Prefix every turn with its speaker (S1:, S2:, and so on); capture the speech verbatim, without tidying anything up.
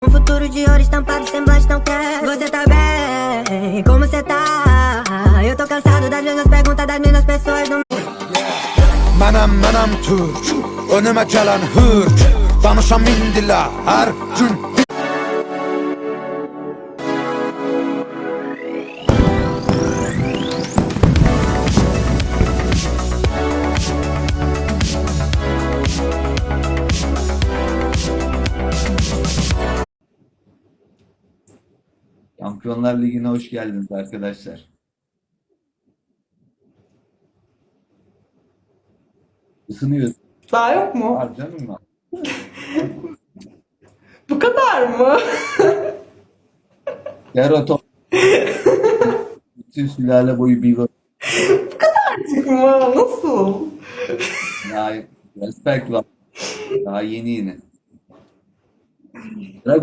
S1: Um futuro de ouro estampado, semblante não quer. Você tá bem? Como você tá? Eu tô cansado das mesmas perguntas das mesmas pessoas do...
S2: Mənəm, mənəm Türk, önümə gələn hürk, danışam min dila hər gün.
S3: Şampiyonlar Ligi'ne hoş geldiniz arkadaşlar. Isınıyoruz.
S4: Daha yok mu?
S3: Var canım var.
S4: Bu kadar mı?
S3: Yarın bütün sülale boyu bir
S4: Artık mı? Nasıl?
S3: daha respect var. Daha yeni yeni.